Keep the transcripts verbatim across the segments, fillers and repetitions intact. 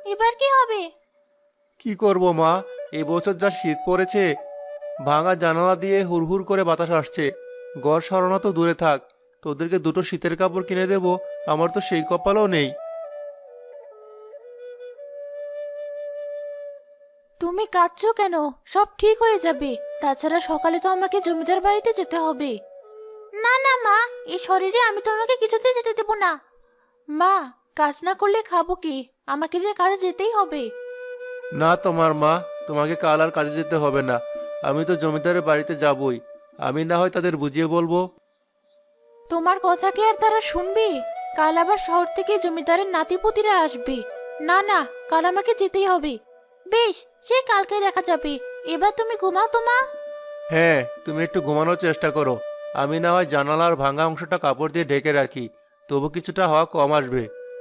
এবার কি হবে? কি করব মা, এই বছর যা শীত পড়েছে, ভাঙা জানালা দিয়ে হুড়হুড় করে বাতাস আসছে। ঘর সরানো তো দূরে থাক, তোদেরকে দুটো শীতের কাপড় কিনে দেব, আমার তো সেই কপালও নেই। তুমি কাঁদছো কেন? সব ঠিক হয়ে যাবে। তাছাড়া সকালে তো আমাকে জমিদার বাড়িতে যেতে হবে। না না মা, এই শরীরে আমি তোমাকে কিছুতে যেতে দেব না। মা, কাজ না করলে খাবো কি? আমাকে যে কাজে যেতেই হবে। না তোমার মা, তোমাকে কাল আর কাজে যেতে হবে না। আমি তো জমিদারের বাড়িতে যাবই। আমি না হয় তাদের বুঝিয়ে বলবো। তোমার কথা কি আর তারা শুনবে? কাল আবার শহর থেকে জমিদারের নাতিপুতিরা আসবে। না না, কাল আমাকে যেতেই হবে। বেশ, সে কালকে দেখা যাবে। এবার তুমি ঘুমাও তো মা। হ্যাঁ, তুমি একটু ঘুমানোর চেষ্টা করো। আমি না হয় জানালার ভাঙা অংশটা কাপড় দিয়ে ঢেকে রাখি, তবু কিছুটা হাওয়া কম আসবে।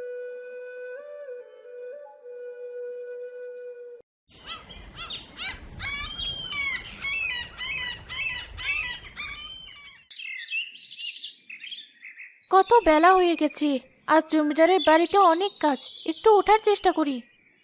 কত বেলা হয়ে গেছে। আজ জমিদারের বাড়িতে অনেক কাজ। একটু ওঠার চেষ্টা করি।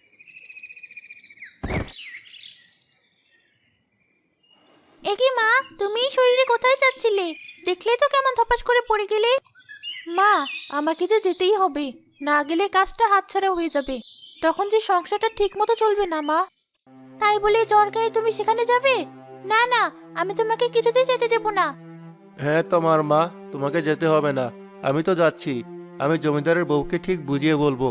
একি মা, তুমি এই শরীরে কোথায় যাচ্ছিলে? দেখলেই তো কেমন ধপাস করে পড়ে গেলে। মা, আমাকে যে যেতেই হবে। না গেলে কাজটা হাতছাড়া হয়ে যাবে। তখন যে সংসারটা ঠিক মতো চলবে না মা। তাই বলে জ্বর গায়ে তুমি সেখানে যাবে? না না, আমি তোমাকে কিছুতেই যেতে দেব না। হ্যাঁ তোমার মা, তোমাকে যেতে হবে না। আমি তো যাচ্ছি। আমি জমিদারের বউকে ঠিক বুঝিয়ে বলবো।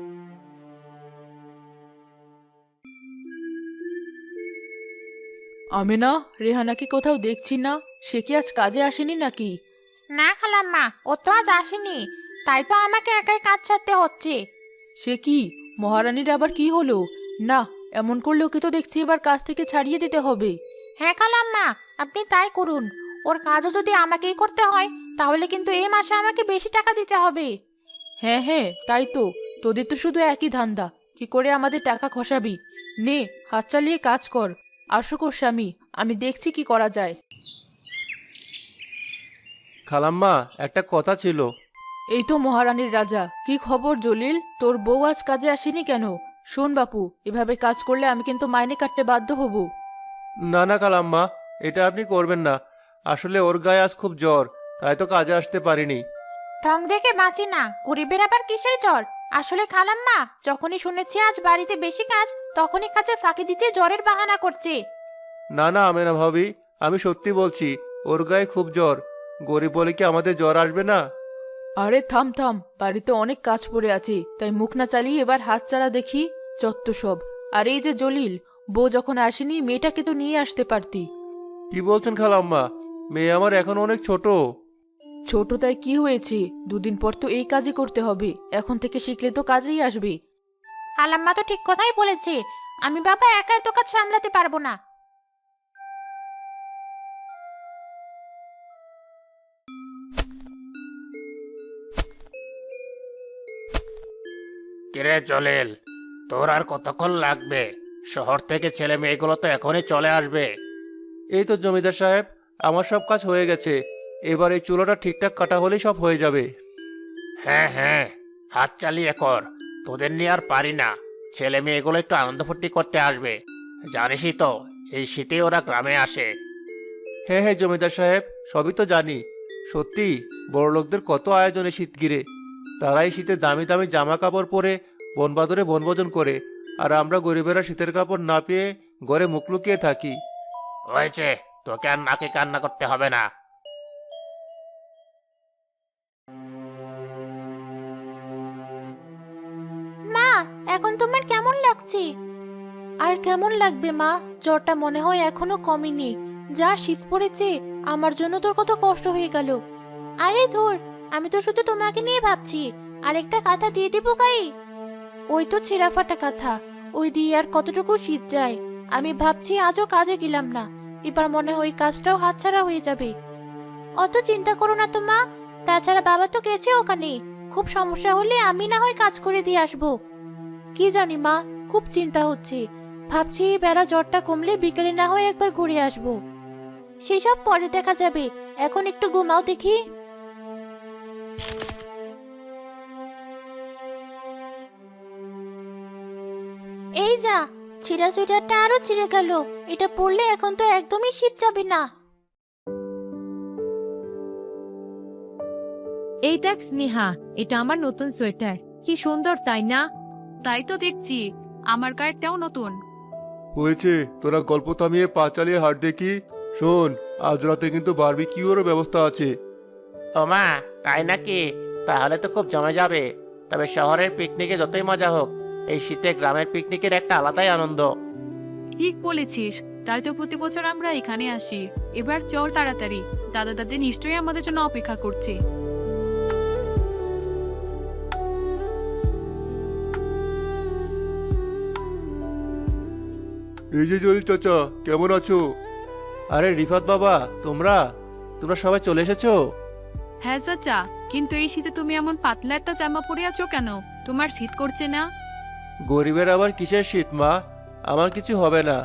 আমি না রেহানাকে কোথাও দেখছি না। সে কি আজ কাজে আসেনি নাকি? না খালাম্মা, ও তো আজ আসেনি। তাই তো আমাকে একাই কাজ ছাড়তে হচ্ছে। সে কি, মহারানীর আবার কি হলো? না, এমন করলে ওকে তো দেখছি এবার কাজ থেকে ছাড়িয়ে দিতে হবে। হ্যাঁ খালাম্মা, আপনি তাই করুন। ওর কাজও যদি আমাকেই করতে হয়, তাহলে কিন্তু এই মাসে আমাকে বেশি টাকা দিতে হবে। হ্যাঁ হ্যাঁ, তাই তো। তোদের তো শুধু একই ধান্দা, কি করে আমাদের টাকা খসাবি। নে, হাত চালিয়ে কাজ কর। আসো কর স্বামী, আমি দেখছি কি করা যায়। খালাম্মা, একটা কথা ছিল। এই তো মহারানীর রাজা। কি খবর জলিল? তোর বউ আজ কাজে আসেনি কেন? শোন বাপু, এভাবে কাজ করলে আমি কিন্তু মাইনে কাটতে বাধ্য হব। না না খালাম্মা, এটা আপনি করবেন না। আসলে ওর গায়ে আজ খুব জ্বর, তাই তো কাজে আসতে পারিনি। ঢং দেখে বাঁচি না, গরিবের আবার কিসের জ্বর? আসলে খালাম্মা, যখনই শুনেছি আজ বাড়িতে বেশি কাজ, তখনই কাজে ফাঁকি দিতে জ্বরের বাহানা করছে। না না আমেনা ভাবি, আমি সত্যি বলছি, ওর গায়ে খুব জ্বর। গরিব বলে কি আমাদের জ্বর আসবে না? আরে থাম থাম, বাড়িতে অনেক কাজ পড়ে আছে, তাই মুখ না চালিয়ে এবার হাত চালা দেখি। চত্ব সব। আর এই যে জলিল, বউ যখন আসেনি মেয়েটাকে তো নিয়ে আসতে পারতি। কি বলছেন খালাম্মা? মেয়ে আমার এখন অনেক ছোট। ছোট তাই কি হয়েছে? দুদিন পর তো এই কাজই করতে হবে, এখন থেকে শিখলে তো কাজেই আসবে। খালাম্মা তো ঠিক কথাই বলেছে। আমি বাবা একা এত কাজ সামলাতে পারবো না। কিরে জলিল, তোর আর কতক্ষণ লাগবে? শহর থেকে ছেলে মেয়েগুলো তো এখনই চলে আসবে। এই তো জমিদার সাহেব, আমার সব কাজ হয়ে গেছে। এবার এই চুলোটা ঠিকঠাক কাটা হলেই সব হয়ে যাবে। হ্যাঁ হ্যাঁ, হাত চালিয়ে কর। তোদের নিয়ে আর পারি না। ছেলে মেয়েগুলো একটু আনন্দ ফুর্তি করতে আসবে। জানিসই তো, এই শীতে ওরা গ্রামে আসে। হ্যাঁ হ্যাঁ জমিদার সাহেব, সবই তো জানি। সত্যি, বড়লোকদের কত আয়োজনে শীত ঘিরে। তারা এই শীতে দামি দামি জামা কাপড় পরে বনবাদরে বনভোজন করে, আর আমরা গরিবেরা শীতের কাপড় না পেয়ে ঘরে মুখ লুকিয়ে থাকি। হয়েছে, তোকে আর নাকে কান্না করতে হবে না। মা, এখন তোমার কেমন লাগছে? আর কেমন লাগবে মা? জ্বরটা মনে হয় এখনো কমেনি। যা শীত পড়েছে, আমার জন্য তোর কত কষ্ট হয়ে গেল। আরে ধুর, আমি তো শুধু তোমাকে নিয়ে ভাবছি। আর একটা কাঁথা দিয়ে দেবো গায়ে? ওই তো ছেঁড়া ফাটা কাঁথা, ওই দিয়ে আর কতটুকু শীত যায়। আমি ভাবছি আজও কাজে গেলাম না, এবার মনে হয় কাজটাও হাতছাড়া হয়ে যাবে। অত চিন্তা করো না তো মা। তাছাড়া বাবা তো গেছে ওখানে। খুব সমস্যা হলে আমি না হয় কাজ করে দিয়ে আসবো। কি জানি মা, খুব চিন্তা হচ্ছে। ভাবছি এই বেলা জ্বরটা কমলে বিকেলে না হয় একবার ঘুরে আসবো। সেসব পরে দেখা যাবে, এখন একটু ঘুমাও দেখি। যা, ছিঁড়া সোয়েটারটা আরো ছিঁড়ে গেল। এটা পরলে এখন তো একদমই শীত যাবে না। এই দেখ স্নেহা, এটা আমার নতুন সোয়েটার। কি সুন্দর তাই না? তাই তো দেখছি, আমার গায়েরটাও নতুন। হয়েছে, তোরা গল্প থামিয়ে পা চালিয়ে হাট দেখি। শোন, আজ রাতে কিন্তু বারবিকিউরও ব্যবস্থা আছে। ওমা, তাই নাকি? তাহলে তো খুব জমে যাবে। তবে শহরের পিকনিকে যতই মজা হোক, এই শীতে গ্রামের পিকনিকের একটা আলাদাই আনন্দ। ঠিক বলেছিস, তাই তো প্রতি বছর আমরা এখানে আসি। এবার চল তাড়াতাড়ি, দাদা দাদি নিশ্চয়ই আমাদের জন্য অপেক্ষা করছে। এই যে জলিল চাচা, কেমন আছো? আরে রিফাত বাবা, তোমরা তোমরা সবাই চলে এসেছো? হ্যাঁ চাচা, কিন্তু এই শীতে তুমি এমন পাতলা একটা জামা পরে আছো কেন? তোমার শীত করছে না? গরিবের আবার কিসের শীত মা? আমার কিছু হবে না।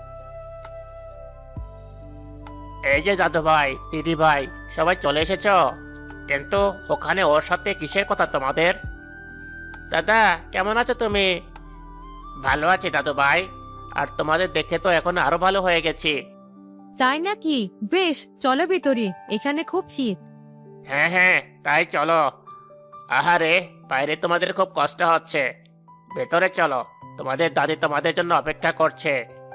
এই যে দাদু ভাই, দিদি ভাই, সবাই চলে এসেছো। কিন্তু ওখানে ওর সাথে কিসের কথা তোমাদের? দাদা, কেমন আছো তুমি? ভালো আছি দাদু ভাই। আর তোমাদের দেখে তো এখন আরো ভালো হয়ে গেছি। তাই নাকি? বেশ, চলো ভিতরে, এখানে খুব শীত। হ্যাঁ হ্যাঁ, তাই চলো। আহারে, বাইরে তোমাদের খুব কষ্ট হচ্ছে। ভেতরে চলো, তোমাদের দাদি তোমাদের জন্য অপেক্ষা করছে।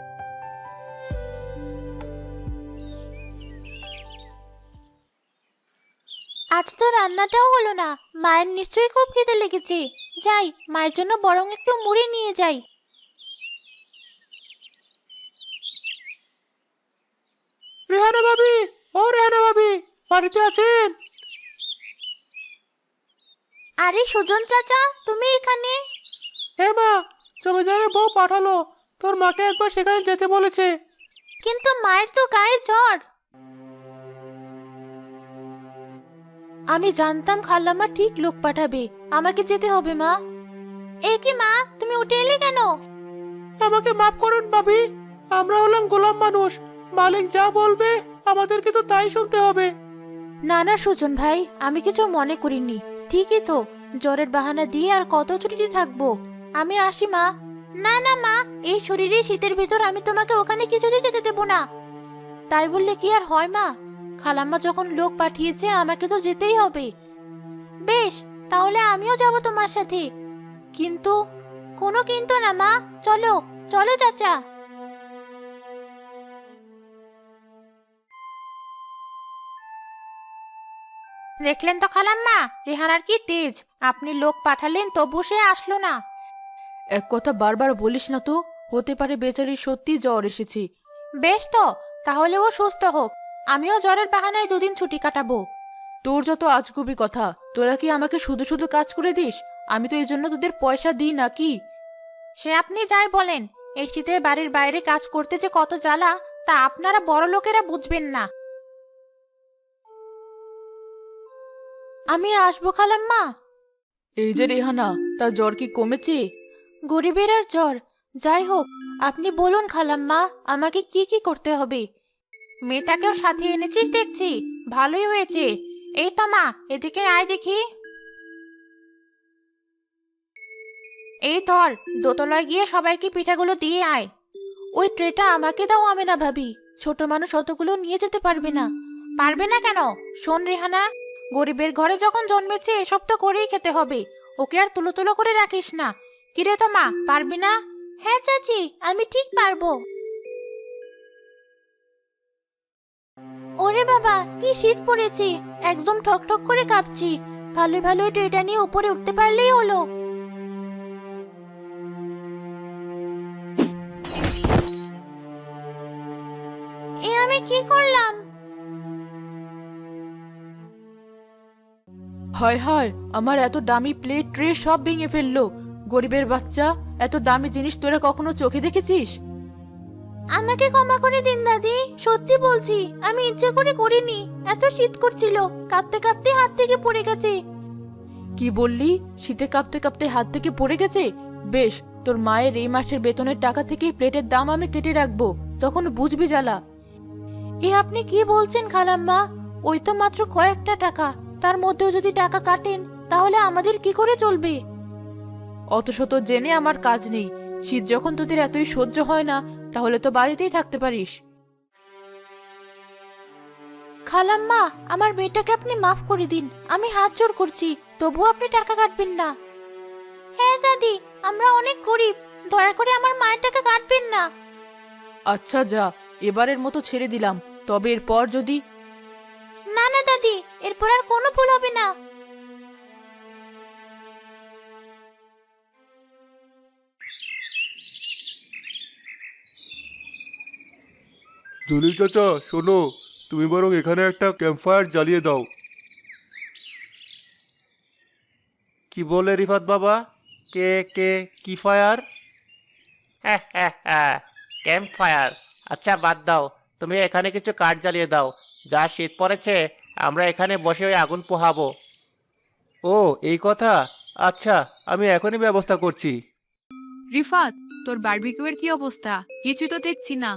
আজ তো রান্নাটাও হলো না। মায়ের নিশ্চয়ই খুব খিদে লেগেছে। যাই, মায়ের জন্য বরং একটু মুড়ি নিয়ে যাই। রেহানা ভাবি, ও রেহানা ভাবি, বাড়িতে আছেন? আরে সুজন চাচা, তুমি এখানে? হ্যাঁ মা, জমিদারের বউ পাঠালো, তোর মাকে একবার সেখানে যেতে বলেছে। কিন্তু মায়ের তো গায়ে জ্বর। আমি জানতাম খালাম্মা ঠিক লোক পাঠাবে। আমাকে যেতে হবে মা। এ কি মা, তুমি উঠে এলে কেন? আমাকে মাফ করুন ভাবি, আমরা হলাম গোলাম মানুষ। মালিক যা বলবে আমাদেরকে তো তাই শুনতে হবে। না না সুজন ভাই, আমি কিছু মনে করিনি। ঠিকই তো, জ্বরের বাহানা দিয়ে আর কত ছুটিতে থাকবো। আমি আসি মা। না না মা, এই শরীরে শীতের ভিতর আমি তোমাকে ওখানে কিছুতেই যেতে দেবো না। তাই বললে কি আর হয় মা? খালাম্মা যখন লোক পাঠিয়েছে, আমাকে তো যেতেই হবে। বেশ, তাহলে আমিও যাব তোমার সাথে। কিন্তু কোনো কিন্তু না মা, চলো চলো চাচা। দেখলেন তো খালাম্মা, রেহানার কি তেজ। আপনি লোক পাঠালেন তবু সে আসলো না। এক কথা বারবার বলিস না তো, হতে পারে বেচারির সত্যি জ্বর এসেছে। বেশ তো, তাহলে ও সুস্থ হোক। আমিও জ্বরের বাহানায় দুদিন ছুটি কাটাবো। তোর যত আজগুবি কথা, তোরা কি আমাকে শুধু শুধু কাজ করে দিস? আমি তো এই জন্য তোদের পয়সা দিই নাকি? সে আপনি যাই বলেন, এই শীতে বাড়ির বাইরে কাজ করতে যে কত জ্বালা, তা আপনারা বড় লোকেরা বুঝবেন না। আমি আসবো খালাম্মা। এই যে রেহানা, তার জ্বর কি কমেছে? গরিবের আর জ্বর। যাই হোক, আপনি বলুন খালাম্মা, আমাকে কি কি করতে হবে? মেয়েটাকেও সাথে এনেছিস দেখছি, ভালোই হয়েছে। এই তো মা, এদিকে আয় দেখি। এই ধর, দোতলায় গিয়ে সবাইকে পিঠাগুলো দিয়ে আয়। ওই ট্রেটা আমাকে দাও আমেনা ভাবি, ছোট মানুষ অতগুলো নিয়ে যেতে পারবে না। পারবে না কেন? শোন রেহানা, গরিবের ঘরে যখন জন্মেছে এসব তো করেই খেতে হবে। ওকে আর তুলো তুলো করে রাখিস না। কিরে তো মা, পারবি না? হ্যাঁ চাচি, আমি ঠিক পারবো। ওরে বাবা, কি শীত পড়েছে, একদম ঠক ঠক করে কাঁপছি। ভালোই ভালোই ট্রেটা নিয়ে উপরে উঠতে পারলেই হলো। এ আমি কি করলাম? হায় হায়, আমার এত দামি প্লেট ট্রে সব ভেঙে ফেললো। গরিবের বাচ্চা, এত দামি জিনিস তোরা কখনো চোখে দেখেছিস? আমাকে ক্ষমা করে দিন দাদি, সত্যি বলছি, আমি ইচ্ছে করে করিনি। এত শীত করছিল, কাঁপতে কাঁপতে হাত থেকে পড়ে গেছে। কি বললি? শীতে কাঁপতে কাঁপতে হাত থেকে পড়ে গেছে? বেশ, তোর মায়ের এই মাসের বেতনের টাকা থেকে প্লেটের দাম আমি কেটে রাখবো, তখন বুঝবি জ্বালা। এ আপনি কি বলছেন খালাম্মা? ওই তো মাত্র কয়েকটা টাকা, তার মধ্যেও যদি টাকা কাটেন তাহলে আমাদের কি করে চলবে? অত শত জেনে আমার কাজ নেই। শীত যখন তোদের এতই সহ্য হয় না, তাহলে তো বাড়িতেই থাকতে পারিস। খালাম্মা, আমার মেয়েটাকে আপনি মাফ করে দিন, আমি হাত জোড় করছি, তবুও আপনি টাকা কাটবেন না। হ্যাঁ দাদি, আমরা অনেক গরিব, দয়া করে আমার মায়ের টাকা কাটবেন না। আচ্ছা যা, এবারের মতো ছেড়ে দিলাম, তবে এরপর যদি না না দাদি, এরপর আর কোনো ভুল হবে না। জলিল চাচা শোনো, তুমি বরং এখানে একটা ক্যাম্পফায়ার জ্বালিয়ে দাও। কি বলে রিফাত বাবা? কে কে কি ফায়ার? হ্যাঁ হ্যাঁ হ্যাঁ, ক্যাম্প ফায়ার। আচ্ছা বাদ দাও, তুমি এখানে কিছু কাঠ জ্বালিয়ে দাও। যা শীত পড়েছে, আমরা এখানে বসে ওই আগুন পোহাবো। ও এই কথা, আচ্ছা আমি এখনই ব্যবস্থা করছি। রিফাত, তোর বারবিকিউয়ের কি অবস্থা? কিছু তো দেখছি না।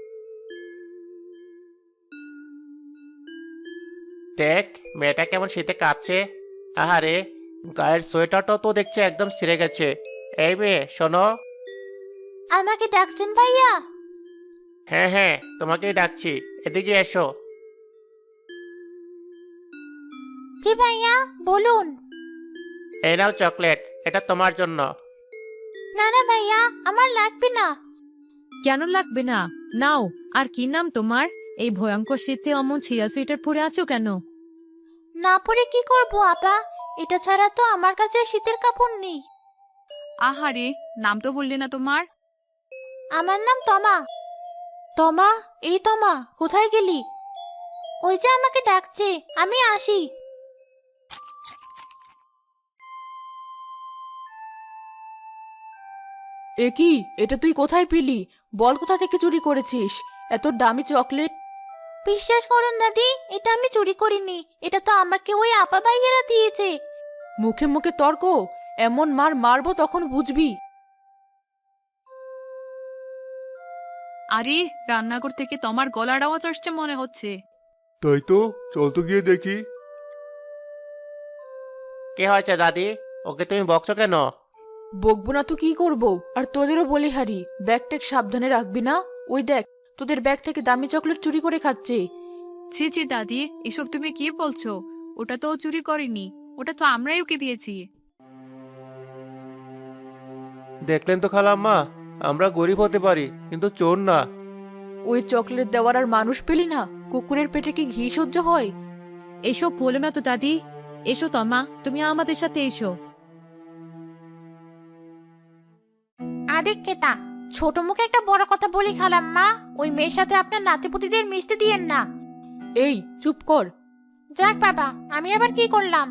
দেখ মেয়েটা কেমন শীতে কাঁপছে। আহারে, গায়ের সোয়েটারটাও তো দেখছে একদম ছিঁড়ে গেছে। এই মেয়ে শোনো। আমাকে ডাকছেন ভাইয়া? হ্যাঁ হ্যাঁ, তোমাকেই ডাকছি, এদিকে এসো। জি ভাইয়া, বলুন। এই নাও চকলেট, এটা তোমার জন্য। না না ভাইয়া, আমার লাগবে না। কেন লাগবে না? নাও। আর কি নাম তোমার? এই ভয়ঙ্কর শীতে অমন ছিয়া সুইটার পরে আছো কেন? না পরে কি করব আপা, এটা ছাড়া তো আমার কাছে শীতের কাপড় নেই। আহারে, নাম তো বললে না তোমার। আমার নাম তমা। তমা, এই তমা, কোথায় গেলি? ওই যে আমাকে ডাকছে, আমি আসি। এ কি, এটা তুই কোথায় পেলি? বল কোথা থেকে চুরি করেছিস এত দামি চকলেট? বিশ্বাস করুন দাদি, এটা আমি চুরি করিনি, এটা তো আমাকে ওই আপা ভাইয়েরা দিয়েছে। মুখে মুখে তর্ক! এমন মার মারবো তখন বুঝবি। আরে, রান্নাঘর থেকে তোমার গলার আওয়াজ আসছে মনে হচ্ছে। তাই তো, চল তো গিয়ে দেখি। কি হয়েছে দাদি? ওকে তুমি বকছো কেন? বকবো না তো কি করবো? আর তোদেরও বলি হারি, ব্যাগ ট্যাগ সাবধানে রাখবি না। ওই দেখ, তোদের ব্যাগ থেকে দামি চকলেট চুরি করে খাচ্ছে। ছি ছি দাদি, এসব তুমি কি বলছো? ওটা তো ও চুরি করেনি, ওটা তো আমরাই ওকে দিয়েছি। দেখলেন তো খালাম্মা, আমরা গরিব হতে পারি কিন্তু চোর না। ওই চকলেট দেওয়ার আর মানুষ পেলি না? কুকুরের পেটে কি ঘি সহ্য হয়? এসব বলো না তো দাদি। এসো তমা, তুমি আমাদের সাথে এসো। আদিক কেতা, ছোট মুখে একটা বড় কথা বলি খালাম্মা, ওই মেয়ের সাথে আপনার নাতিপুতিদের মিশতে দিয়েন না। এই চুপ কর। যাক বাবা, আমি আবার কি করলাম?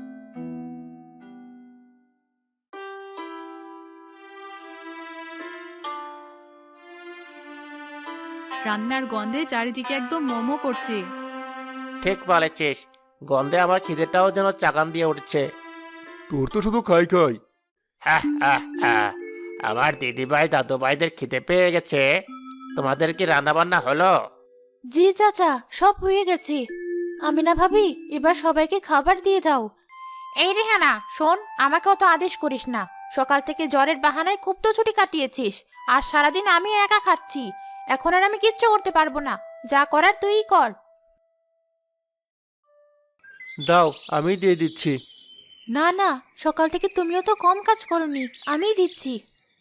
রান্নার গন্ধে চারিদিকে একদম মোমো করছে। ঠিক বলেছিস, গন্ধে আমার খিদেটাও যেন চাকান দিয়ে উঠছে। তোর তো শুধু খাই খাই। হ্যাঁ হ্যাঁ হ্যাঁ, আমার দিদিভাই দাদু ভাইদের খিদে পেয়ে গেছে। তোমাদের কি রান্না বান্না হলো? জি চাচা, সব হয়ে গেছে। আমি না ভাবি, এবার সবাইকে খাবার দিয়ে দাও। এই রেহানা শোন, আমাকে অত আদেশ করিস না। সকাল থেকে জ্বরের বাহানায় খুব তো ছুটি কাটিয়েছিস, আর সারাদিন আমি একা খাচ্ছি। এখন আর আমি কিচ্ছু করতে পারবো না, যা করার তুই কর। দাও, আমি দিয়ে দিচ্ছি। না না, সকাল থেকে তুমিও তো কম কাজ করনি, আমিই দিচ্ছি।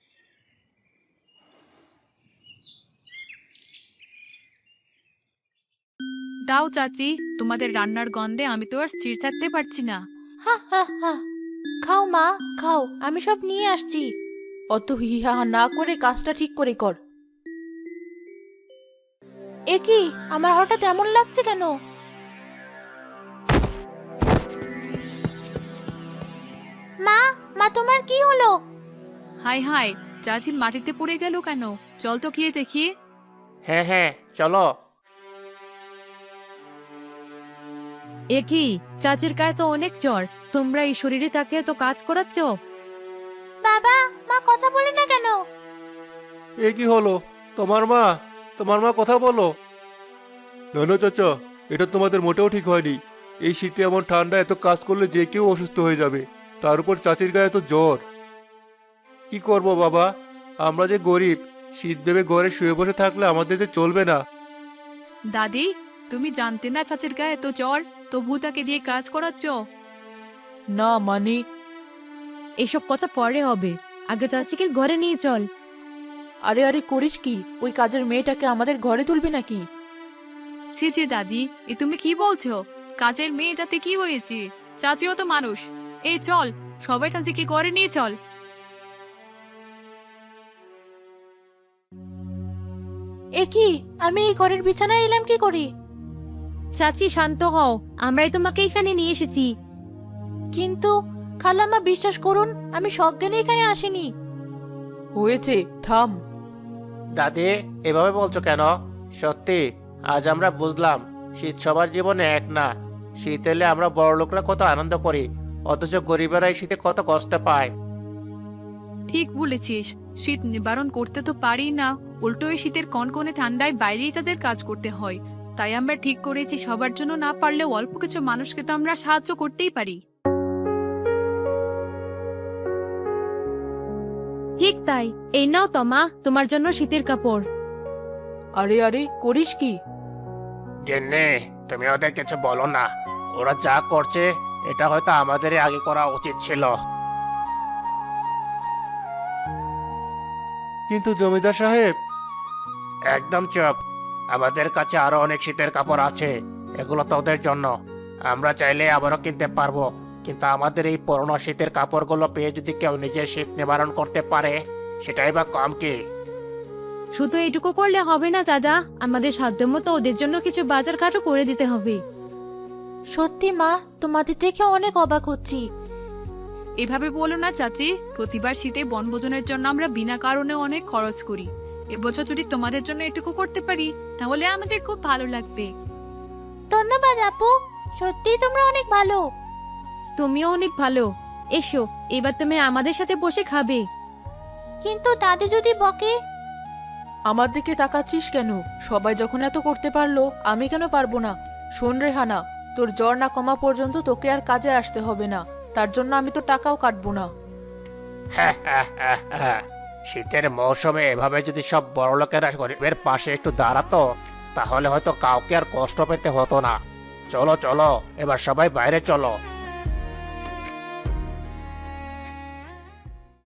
দাও চাচি, তোমাদের রান্নার গন্ধে আমি তো আর স্থির থাকতে পারছি না। হা হা হা, খাও মা খাও, আমি সব নিয়ে আসছি। অত হিহা না করে কাজটা ঠিক করে কর। এ কি, আমার হঠাৎ এমন লাগছে কেন? মা, মা তোমার কি হলো? হাই হাই, চাচি মাটিতে পড়ে গেল কেন? চল তো গিয়ে দেখি। হ্যাঁ হ্যাঁ চলো। এ কি, চাচির গায়ে তো অনেক জ্বর, তোমরা এই শরীরে তাকে এত কাজ করাচ্ছ? বাবা, মা কথা বলে না কেন? এ কি হলো? তোমার মা, তোমার মা কথা বলো। না না চাচা, এটা তোমাদের মোটেও ঠিক হয়নি। এই শীতে এমন ঠান্ডা এত কাজ করলে যে কেউ অসুস্থ হয়ে যাবে, তার উপর চাচির গায়ে তো জ্বর। কি করব বাবা, আমরা যে গরিব, শীত ভেবে ঘরে শুয়ে বসে থাকলে আমাদের যে চলবে না। দাদি, তুমি জানতে না চাচির গায়ে এত জ্বর, তবু তাকে দিয়ে কাজ করাচ্ছ? না মানে এসব কথা পরে হবে, আগে চাচিকে ঘরে নিয়ে চল। আরে আরে করিস কি? ওই কাজের মেয়েটাকে আমাদের ঘরে তুলবি নাকি? ছি ছি দাদি, এ তুমি কি বলছো? কাজের মেয়েটাতে কি হয়েছে? চাচিও তো মানুষ। এই চল, সবাই চাচিকে ঘরে নিয়ে চল। এ কি, আমি এই ঘরের বিছানায় এলাম কি করি? চাচি শান্ত হও, আমরাই তোমাকে এখানে নিয়ে এসেছি। কিন্তু খালাম্মা, বিশ্বাস করুন, আমি সজ্ঞানে এখানে আসিনি। হয়েছে, থাম। দাদি, এভাবে বলছো কেন? সত্যি আজ আমরা বুঝলাম শীত সবার জীবনে এক না। শীত এলে আমরা বড় লোকরা কত আনন্দ করি, অথচ গরিবেরা এই শীতে কত কষ্ট পায়। ঠিক বলেছিস, শীত নিবারণ করতে তো পারি না, উল্টো এই শীতের কনকনে ঠান্ডায় বাইরেই তাদের কাজ করতে হয়। তাই আমরা ঠিক করেছি সবার জন্য না পারলেও অল্প কিছু মানুষকে তো আমরা সাহায্য করতেই পারি। ঠিক তাই, এই নাও তমা, তোমার জন্য শীতের কাপড়। আরে আরে করিস কি? গেন্নে, তুমি ওদের কিছু বলো না। ওরা যা করছে এটা হয়তো আমাদেরই আগে করা উচিত ছিল। কিন্তু জমিদার সাহেব, একদম চুপ। আমাদের কাছে আরো অনেক শীতের কাপড় আছে, এগুলো তো ওদের জন্য। আমরা চাইলে আবারও কিনতে পারবো, কিন্তু আমাদের এই পুরনো শীতের কাপড়গুলো পেয়ে যদি কেউ নিজের শীত নিবারণ করতে পারে, সেটাই বা কম কি? শুধু এইটুকু করলে হবে না দাদা, আমাদের সাধ্যমতো ওদের জন্য কিছু বাজার ঘাটও করে দিতে হবে। সত্যি মা, তোমাদের দেখে অনেক অবাক হচ্ছি। এভাবে বলো না চাচি, প্রতিবার শীতে বনভোজনের জন্য আমরা বিনা কারণে অনেক খরচ করি। এবছর যদি তোমাদের জন্য এটুকু করতে পারি তাহলে আমাদের খুব ভালো লাগবে। ধন্যবাদ আপু, সত্যি তোমরা অনেক ভালো। তুমিও অনেক ভালো। এসো, এবার তুমি আমাদের সাথে বসে খাবে। কিন্তু দাদি যদি বকে? আমার দিকে তাকাচ্ছিস কেন? সবাই যখন এত করতে পারলো, আমি কেন পারবো না? শোন রেহানা, তোর জ্বর না কমা পর্যন্ত তোকে আর কাজে আসতে হবে না। তার জন্য আমি তো টাকাও কাটবো না। শীতের মৌসুমে এভাবে যদি সব বড় লোকেরা গরিবের পাশে একটু দাঁড়াতো, তাহলে হয়তো কাউকে আর কষ্ট পেতে হতো না। চলো চলো, এবার সবাই বাইরে চলো।